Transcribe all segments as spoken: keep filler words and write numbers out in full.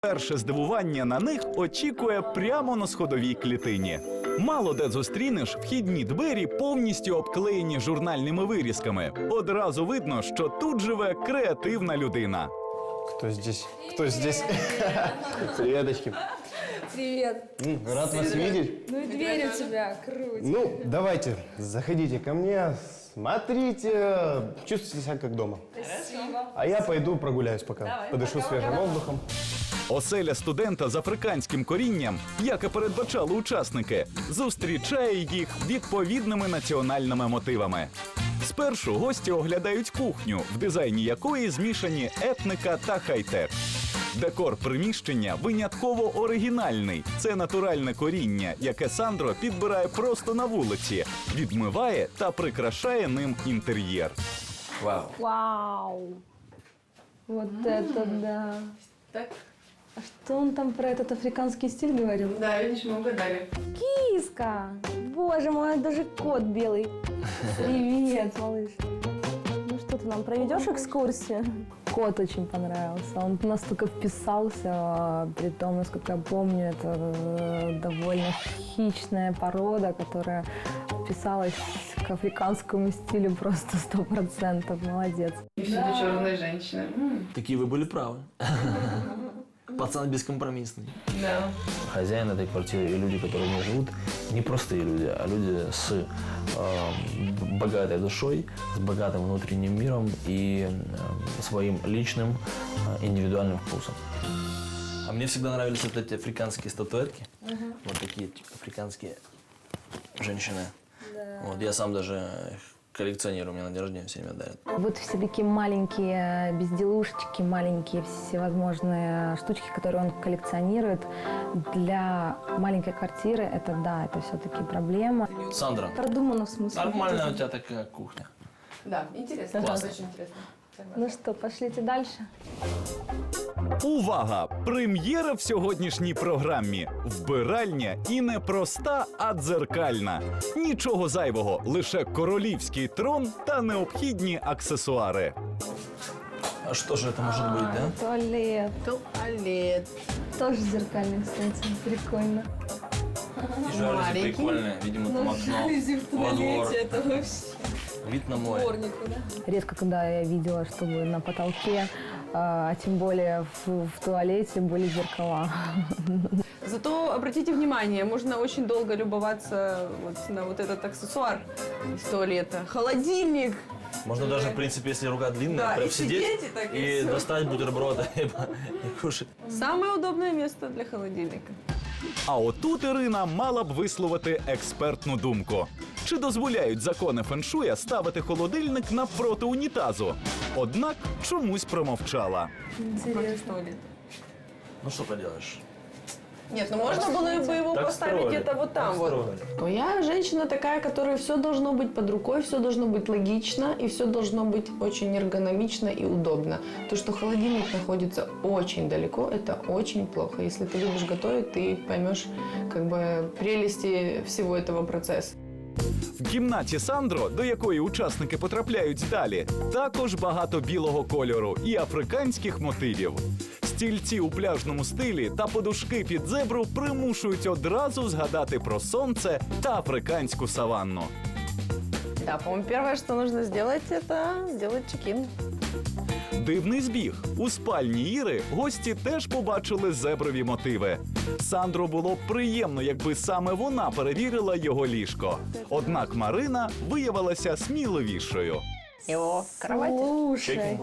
Перше здивування на них очікує прямо на сходовій клітині. Мало де зустрінеш вхідні двері, повністю обклеєні журнальними вирізками. Одразу видно, що тут живе креативна людина. Кто здесь? Кто здесь? Приветочки. Привет. Рад вас видеть. Ну и дверь у тебя, круто. Ну, давайте, заходите ко мне, смотрите, чувствуйте себя как дома. Спасибо. А я пойду прогуляюсь пока, Давай, подышу пока, свежим пока. воздухом. Оселя студента з африканським корінням, як і передбачали учасники, зустрічає їх відповідними національними мотивами. Спершу гості оглядають кухню, в дизайні якої змішані етника та хай-тек. Декор приміщення винятково оригінальний. Це натуральне коріння, яке Сандро підбирає просто на вулиці, відмиває та прикрашає ним інтер'єр. Вау. Вау. Вот это да. Так? А что он там про этот африканский стиль говорил? Да, видишь, мы угадали. Киска! Боже мой, даже кот белый. Привет, малыш. Ну что, ты нам проведешь экскурсию? Кот очень понравился. Он настолько вписался, при том, насколько я помню, это э, довольно хищная порода, которая вписалась к африканскому стилю просто сто процентов. Молодец. И всюду черная женщина. М, Такие вы были правы. Пацан бескомпромиссный. Да. Хозяин этой квартиры и люди, которые в ней живут, не простые люди, а люди с э, богатой душой, с богатым внутренним миром и э, своим личным э, индивидуальным вкусом. А мне всегда нравились вот эти африканские статуэтки. Вот такие африканские женщины. Вот, я сам даже их коллекционирую, мне на день рождения все время дарят. Вот все такие маленькие безделушечки, маленькие всевозможные штучки, которые он коллекционирует. Для маленькой квартиры это да, это все-таки проблема. Сандра, Продумано в смысле. нормальная у тебя такая кухня. Да, интересно. Классно. Очень интересно. Согласна. Ну что, пошлите дальше? Увага! Прем'єра в сьогоднішній програмі. Вбиральня і не проста, а дзеркальна. Нічого зайвого, лише королівський трон та необхідні аксесуари. А что же это может быть, да? Туалет. Туалет. Тоже зеркальный, кстати. Прикольно. И жалюзи Маленький. прикольные, видимо, Ну, там окно во двор. это вообще Вид на море. дворнику, да? Редко, когда я видела, чтобы на потолке, а тем более в, в туалете, были зеркала. Зато обратите внимание, можно очень долго любоваться вот на вот этот аксессуар из туалета. Холодильник. Можно даже, в принципе, если рука длинная, Да, прям и сидеть сидеть, и так, и и всё. достать бутерброды и кушать. Самое удобное место для холодильника. А отут Ірина мала б висловити експертну думку. Чи дозволяють закони феншуя ставити холодильник навпроти унітазу? Однак чомусь промовчала. Против туалета. Ну что поделаешь? Нет, ну можно было бы его Так поставить строили, где-то вот так там вот. строили. Но я женщина такая, которой все должно быть под рукой, все должно быть логично и все должно быть очень эргономично и удобно. То, что холодильник находится очень далеко, это очень плохо. Если ты любишь готовить, ты поймешь как бы прелести всего этого процесса. В кімнаті Сандро, до якої учасники потрапляють далі, також багато білого кольору і африканських мотивів. Стільці у пляжному стилі та подушки під зебру примушують одразу згадати про сонце та африканську саванну. Да, по-моему, первое, что нужно сделать, это сделать чекин. Дивний збіг. У спальні Іри гості теж побачили зеброві мотиви. Сандро було б приємно, якби саме вона перевірила його ліжко. Однак Марина виявилася сміливішою. Его кровать. Слушай.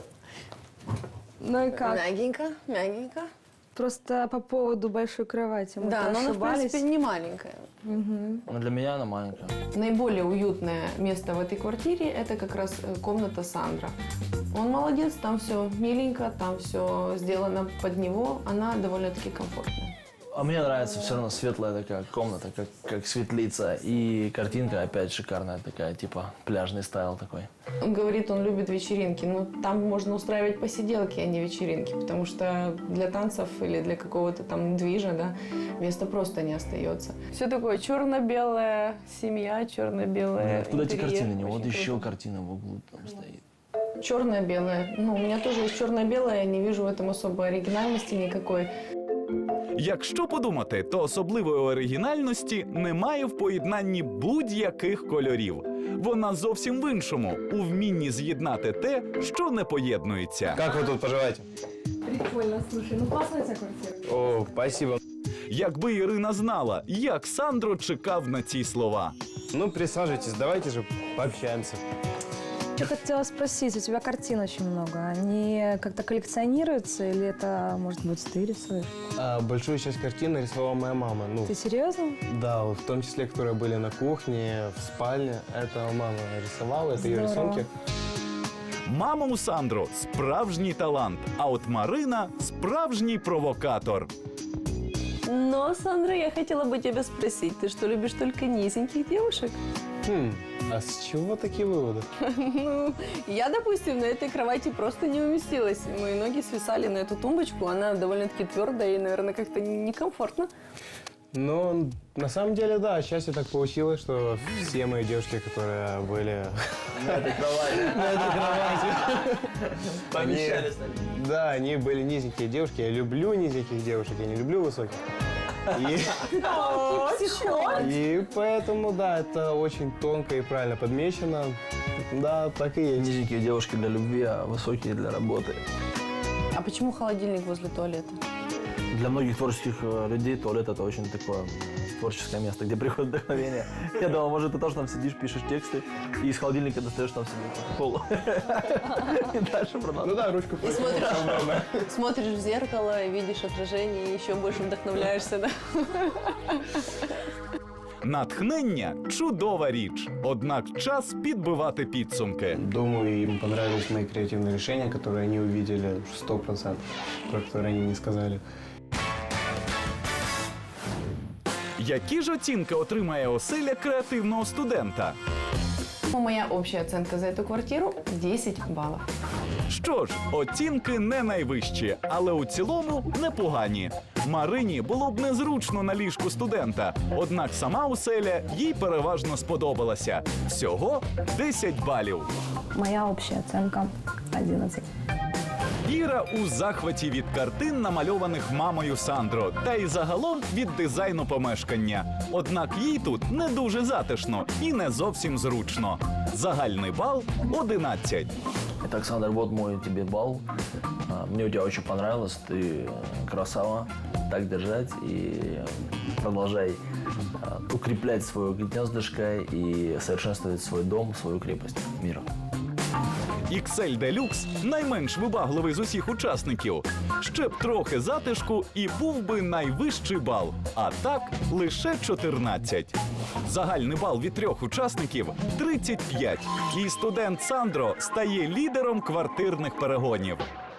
Ну и как? Мягенько, мягенько. Просто по поводу большой кровати. Мы Да, но она, в ошибались. принципе, не маленькая. Ну, для меня она маленькая. Наиболее уютное место в этой квартире – это как раз э, комната Сандра. Он молодец, там все миленько, там все сделано под него, она довольно-таки комфортная. А мне нравится все равно светлая такая комната, как, как светлица. И картинка опять шикарная такая, типа пляжный стайл такой. Он говорит, он любит вечеринки, но там можно устраивать посиделки, а не вечеринки, потому что для танцев или для какого-то там движа, да, места просто не остается. Все такое черно-белая семья, черно-белая. Откуда эти интерьер, картины? Не, вот очень еще круто. картина в углу там стоит. Черное-белое. Ну, у меня тоже есть черное-белое, я не вижу в этом особой оригинальности никакой. Якщо подумати, то особливої оригінальності немає в поєднанні будь-яких кольорів. Вона зовсім в іншому – у вмінні з'єднати те, що не поєднується. Как вы тут поживаете? Прикольно, слушай, ну классная у тебя квартира. О, спасибо. Якби Ірина знала, як Сандро чекав на ці слова. Ну, присаживайтесь, давайте же пообщаемся. Я хотела спросить, у тебя картин очень много. Они как-то коллекционируются или это, может быть, ты рисуешь? А, большую часть картин нарисовала моя мама. Ну, Ты серьезно? да, вот в том числе, которые были на кухне, в спальне. Это мама рисовала, это ее Здорово. рисунки. Мама у Сандро – справжній талант, а от Марина – справжній провокатор. Но, Сандра, я хотела бы тебя спросить, ты что, любишь только низеньких девушек? Хм, а с чего такие выводы? Ну, я, допустим, на этой кровати просто не уместилась. Мои ноги свисали на эту тумбочку, она довольно-таки твердая и, наверное, как-то некомфортно. Ну, на самом деле, да, счастье так получилось, что все мои девушки, которые были На этой кровати. на этой кровати, Помещались. они- да, они были низенькие девушки. Я люблю низеньких девушек, я не люблю высоких. И, и поэтому, да, это очень тонко и правильно подмечено. Да, так и есть. Низенькие девушки для любви, а высокие для работы. А почему холодильник возле туалета? Для многих творческих э, людей туалет – это очень такое м, творческое место, где приходит вдохновение. Я думал, может, ты тоже там сидишь, пишешь тексты, и из холодильника достаешь там себе кока-колу. И дальше Ну продолжаешь. да, ручку. И смотришь, смотришь в зеркало, видишь отражение и еще больше вдохновляешься, да? Натхнення – чудова річ, однак час підбивати підсумки. Думаю, им понравились мои креативные решения, которые они увидели сто процентов, про которые они не сказали. Які ж оцінки отримає оселя креативного студента? Моя общая оценка за эту квартиру – десять баллов. Що ж, оцінки не найвищі, але у цілому непогані. Марині було б незручно на ліжку студента, однак сама оселя їй переважно сподобалася. Всього десять балів. Моя общая оценка одиннадцать. Іра у захваті від картин, намальованих мамою Сандро, та й загалом від дизайну помешкання. Однак їй тут не дуже затишно і не зовсім зручно. Загальний бал – одинадцять. Итак, Сандр, вот мой тебе балл. А, Мне у тебя очень понравилось, ты красава. Так держать и продолжай а, укреплять свое гнездышко и совершенствовать свой дом, свою крепость мира. ікс ель Deluxe – найменш вибагливий з усіх учасників. Ще б трохи затишку і був би найвищий бал. А так – лише чотирнадцять. Загальний бал від трьох учасників – тридцять п'ять. І студент Сандро стає лідером квартирних перегонів.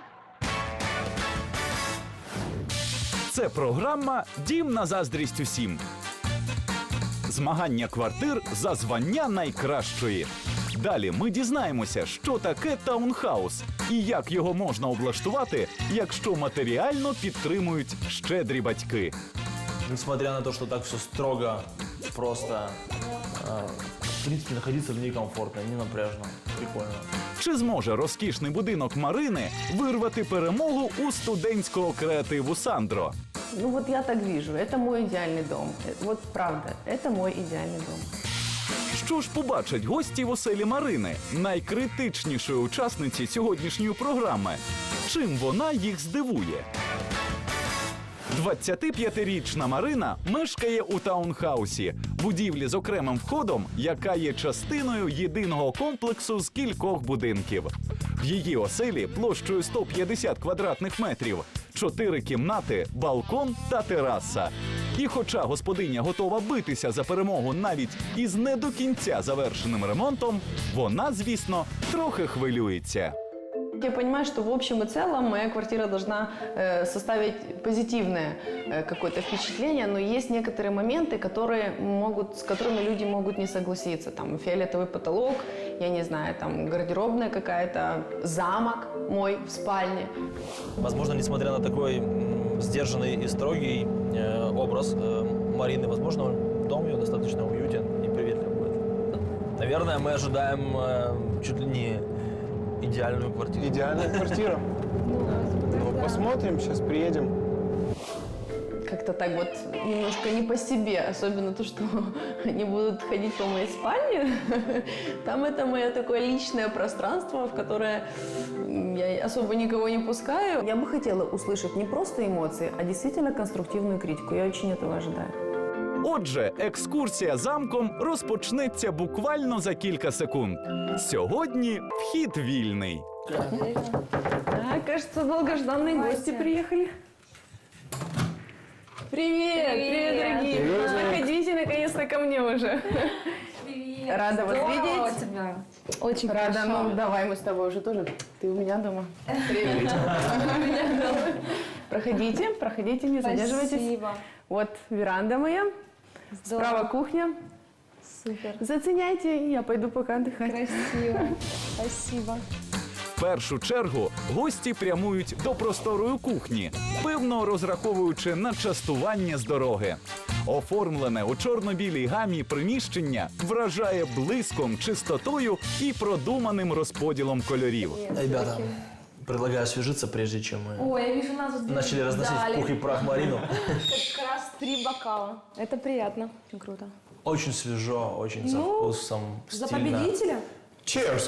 Це програма «Дім на заздрість усім». Змагання квартир за звання найкращої. Далі ми дізнаємося, що таке таунхаус і як його можна облаштувати, якщо матеріально підтримують щедрі батьки. Несмотря на то, что так все строго, просто, а, в принципе, находиться в ней комфортно, не напряжно, прикольно. Чи зможе розкішний будинок Марини вирвати перемогу у студентського креативу Сандро? Ну вот я так вижу, это мой идеальный дом. Э, Вот правда, это мой идеальный дом. Що ж побачать гості в оселі Марини, найкритичнішої учасниці сьогоднішньої програми? Чим вона їх здивує? двадцятип'ятирічна Марина мешкає у таунхаусі, будівлі з окремим входом, яка є частиною єдиного комплексу з кількох будинків. В її оселі площею сто п'ятдесят квадратних метрів, чотири кімнати, балкон та тераса. І хоча господиня готова битися за перемогу навіть із не до кінця завершеним ремонтом, вона, звісно, трохи хвилюється. Я понимаю, что в общем и целом моя квартира должна э, составить позитивное э, какое-то впечатление, но есть некоторые моменты, которые могут, с которыми люди могут не согласиться. Там фиолетовый потолок, я не знаю, там гардеробная какая-то, замок мой в спальне. Возможно, несмотря на такой м, сдержанный и строгий э, образ э, Марины, возможно, дом ее достаточно уютен и приветлив будет. Наверное, мы ожидаем э, чуть ли не идеальную квартиру. Идеальная квартира. Ну, посмотрим, сейчас приедем. Как-то так вот немножко не по себе, особенно то, что они будут ходить по моей спальне. Там это мое такое личное пространство, в которое я особо никого не пускаю. Я бы хотела услышать не просто эмоции, а действительно конструктивную критику. Я очень этого ожидаю. Отже, екскурсія замком розпочнеться буквально за кілька секунд. Сьогодні вхід вільний. А, кажется, долгожданные гости приехали. Привет, привет, дорогие. Заходите наконец-то ко мне уже. Привет. Рада вас видеть. тебя. Очень Рада, хорошо. ну давай мы с тобой уже тоже. Ты у меня дома. Привет. У меня дома. Проходите, проходите, не задерживайтесь. Спасибо. Вот веранда моя, Здорово. справа кухня. Супер. Заценяйте, я пойду пока отдыхать. Красиво. Спасибо. В першу чергу гості прямують до просторої кухні, певно розраховуючи на частування з дороги. Оформлене у чорно-білій гамі приміщення вражає блиском, чистотою і продуманим розподілом кольорів. Ребята, предлагаю освежиться, прежде чем мы Ой, я вижу, нас тут начали разносить дали. в пух и прах Марину. Как раз три бокала. Это приятно. Очень круто. Очень свежо, очень со Ну, вкусом, За стильно. победителя? Cheers!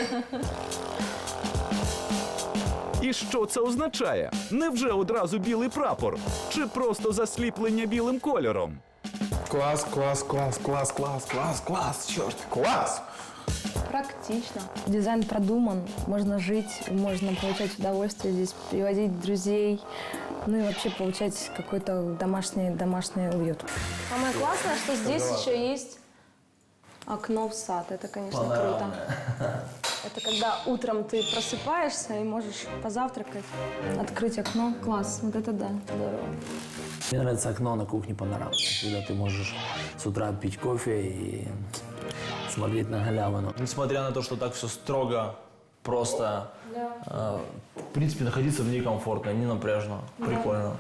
І що це означає? Невже одразу білий прапор? Чи просто засліплення білим кольором? Класс, класс, класс, класс, класс, класс, класс, черт, класс! Практично. Дизайн продуман, можно жить, можно получать удовольствие здесь, приводить друзей, ну и вообще получать какой-то домашний, домашний уют. Самое классное, что здесь еще есть окно в сад. Это, конечно, круто. Это когда утром ты просыпаешься и можешь позавтракать, открыть окно. Класс, вот это да, здорово. Мне нравится окно на кухне панорамное, когда ты можешь с утра пить кофе и смотреть на галявину. Несмотря на то, что так все строго, просто, э, в принципе, находиться в ней комфортно, не напряжно, прикольно.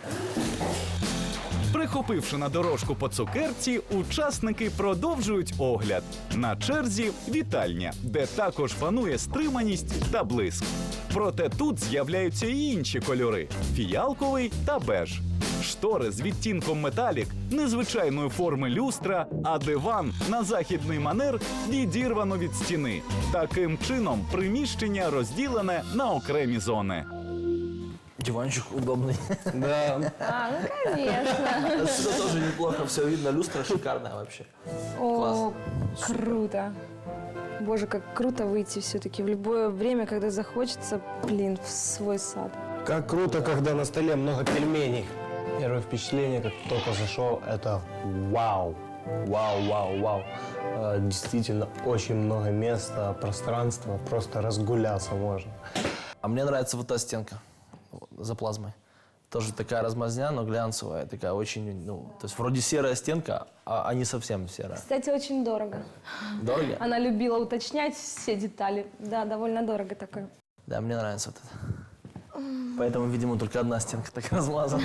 Прихопивши на дорожку по цукерці, учасники продовжують огляд. На черзі вітальня, де також панує стриманість та блиск. Проте тут з'являються і інші кольори – фіялковий та беж. Штори з відтінком металік, незвичайної форми люстра, а диван на західний манер відірвано від стіни. Таким чином приміщення розділене на окремі зони. Диванчик удобный. Да, А, ну конечно. Отсюда тоже неплохо все видно, люстра шикарная вообще. О, круто. Боже, как круто выйти все-таки в любое время, когда захочется, блин, в свой сад. как круто, когда на столе много пельменей. Первое впечатление, как только зашел, это вау, вау, вау, вау. Э, Действительно, очень много места, пространства, просто разгуляться можно. А мне нравится вот та стенка вот, за плазмой. Тоже такая размазня, но глянцевая, такая очень, ну, то есть вроде серая стенка, а, а не совсем серая. Кстати, очень дорого. Дорого? Она любила уточнять все детали. Да, довольно дорого такое. Да, мне нравится вот это. Поэтому, видимо, только одна стенка так размазана.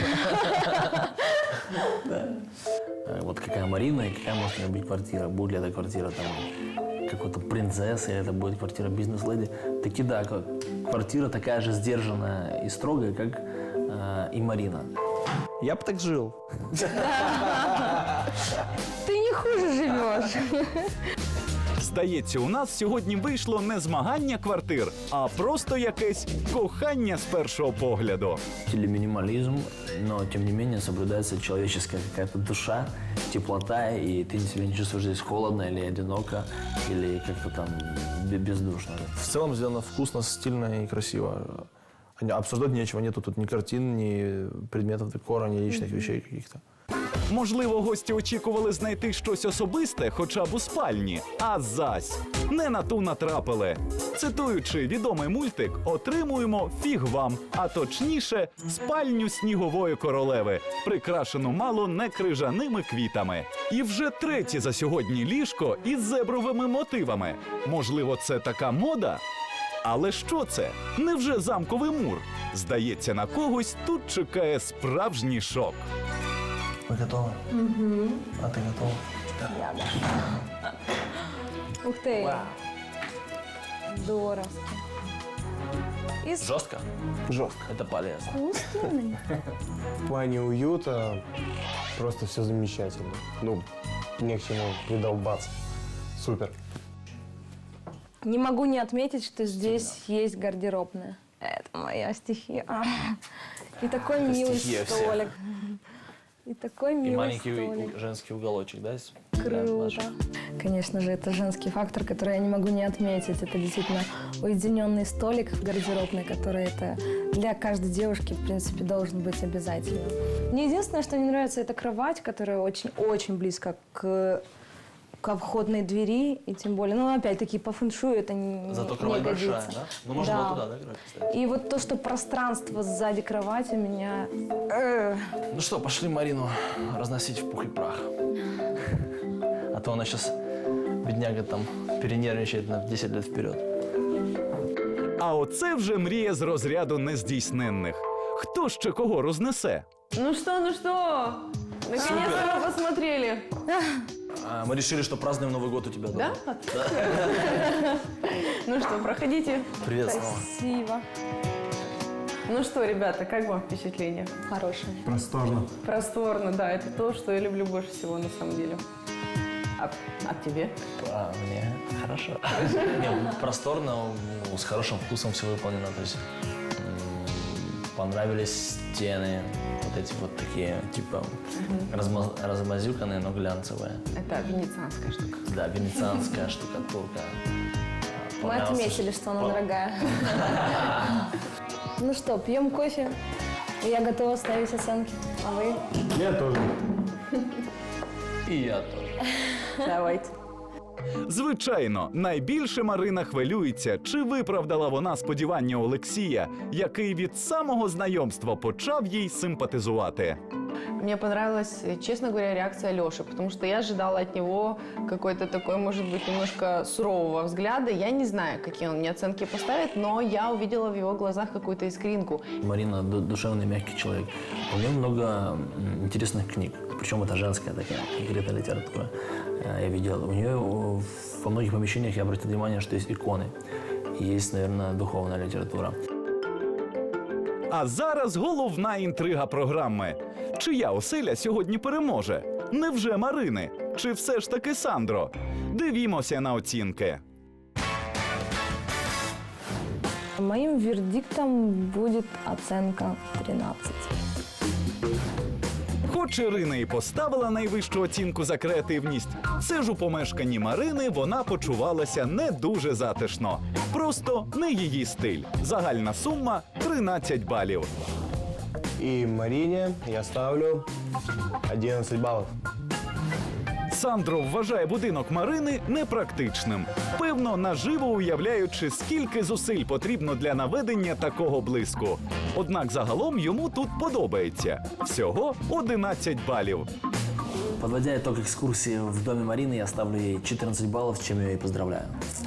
Да. А Вот какая Марина и какая может у нее быть квартира. Будет ли эта квартира там какой-то принцессы, или это будет квартира бизнес-леди. Таки да, как- квартира такая же сдержанная и строгая, как э, и Марина. Я бы так жил. Ты не хуже живешь. Здається, у нас сьогодні вийшло не змагання квартир, а просто якесь кохання з першого погляду. Или минимализм, но тем не менее соблюдается человеческая какая-то душа, теплота, и ты себя не чувствуешь здесь холодно или одиноко, или как-то там бе- бездушно. В целом сделано вкусно, стильно и красиво. Обсуждать нечего, нету тут ни картин, ни предметов декора, ни личных вещей каких-то. Можливо, гості очікували знайти щось особисте, хоча б у спальні. А зась, не на ту натрапили. Цитуючи відомий мультик, отримуємо фіг вам, а точніше, спальню снігової королеви, прикрашену мало не крижаними квітами. І вже третє за сьогодні ліжко із зебровими мотивами. Можливо, це така мода? Але що це? Невже замковий мур? Здається, на когось тут чекає справжній шок. Вы готовы? Угу. А ты готова? Я, да. Ух ты. Здорово. Из Жестко? Жестко. Это полезно. вкусный. В плане уюта просто все замечательно. Ну, не к чему придолбаться. Супер. Не могу не отметить, что здесь есть гардеробная. Это моя стихия. А. И такой Это милый стихия всех. столик. И такой И милый маленький столик. женский уголочек, да? с- Круто. Конечно же, это женский фактор, который я не могу не отметить. Это действительно уединенный столик в гардеробной, который это для каждой девушки, в принципе, должен быть обязательным. Мне единственное, что не нравится, это кровать, которая очень-очень близко к, к входной двери. И тем более, ну, опять-таки, по фэншую это не, Зато не кровать годится. большая, да? Ну, можно Да. было туда, да, играть, кстати? И вот то, что пространство сзади кровати меня... э, Ну что, пошли Марину разносить в пух и прах. А то она сейчас, бедняга, там перенервничает на десять лет вперед. А оце вже мрія з розряду нездійсненних. Хто ще кого рознесе? Ну что, ну что? Наконец-то мы посмотрели. А, мы решили, что празднуем Новый год у тебя дома. Да? Ну что, проходите. Привет снова. Спасибо. Ну что, ребята, как вам впечатление? Хорошее. Просторно. Просторно, да, это то, что я люблю больше всего на самом деле. А, а тебе? А, мне хорошо. Не, просторно, ну, с хорошим вкусом все выполнено. То есть м, понравились стены, вот эти вот такие, типа, разма- размазюканные, но глянцевые. Это венецианская штука. Да, венецианская штукатурка. Мы Понравился, отметили, что она по- дорогая. Ну что, пьем кофе. Я готова ставить оценки. А вы? Я тоже. И я тоже. Давайте. Звичайно, найбільше Марина хвилюється, чи виправдала вона сподівання Олексія, який від самого знайомства почав їй симпатизувати. Мне понравилась, честно говоря, реакция Лёши, потому что я ожидала от него какой-то такой, может быть, немножко сурового взгляда. Я не знаю, какие он мне оценки поставит, но я увидела в его глазах какую-то искринку. Марина ду- душевный, мягкий человек. У нее много м, интересных книг. Причем это женская такая открытая литература. Э, Я видел. У нее о, во многих помещениях я обратил внимание, что есть иконы. И есть, наверное, духовная литература. А зараз головна інтрига програми. Чия оселя сьогодні переможе? Невже Марини? Чи все ж таки Сандро? Дивімося на оцінки. Моим вердиктом будет оценка тринадцать. Хоч Ірина і поставила найвищу оцінку за креативність, все ж у помешканні Марини вона почувалася не дуже затишно. Просто не її стиль. Загальна сума – тринадцять балів. И Марине я ставлю одиннадцать баллов. Сандро вважає будинок Марини непрактичним. Певно, наживо уявляючи, скільки зусиль потрібно для наведення такого блиску. Однак загалом йому тут подобається. Всього одинадцять балів. Подводя итог экскурсии в доме Марины, я ставлю ей четырнадцать баллов, с чем я ее и поздравляю.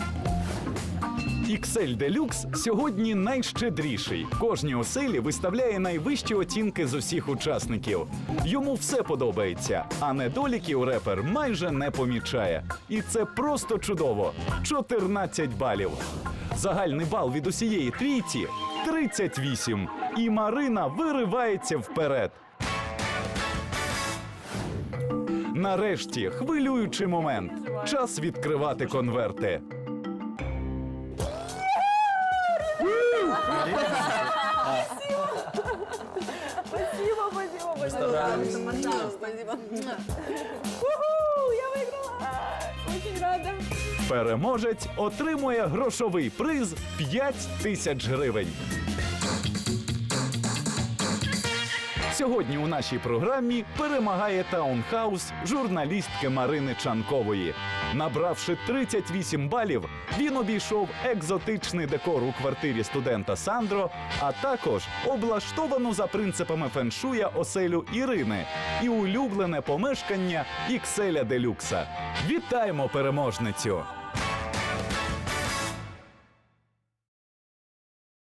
ікс ель Deluxe сьогодні найщедріший. Кожній оселі виставляє найвищі оцінки з усіх учасників. Йому все подобається, а недоліків репер майже не помічає. І це просто чудово. чотирнадцять балів. Загальний бал від усієї трійці – тридцять вісім. І Марина виривається вперед. Нарешті хвилюючий момент. Час відкривати конверти. Переможець отримує грошовий приз п'ять тисяч гривень. Сьогодні у нашій програмі перемагає таунхаус журналістки Марини Чанкової. Набравши тридцять вісім балів, він обійшов екзотичний декор у квартирі студента Сандро, а також облаштовану за принципами феншуя оселю Ірини і улюблене помешкання ікс ель Deluxe. Вітаємо переможницю!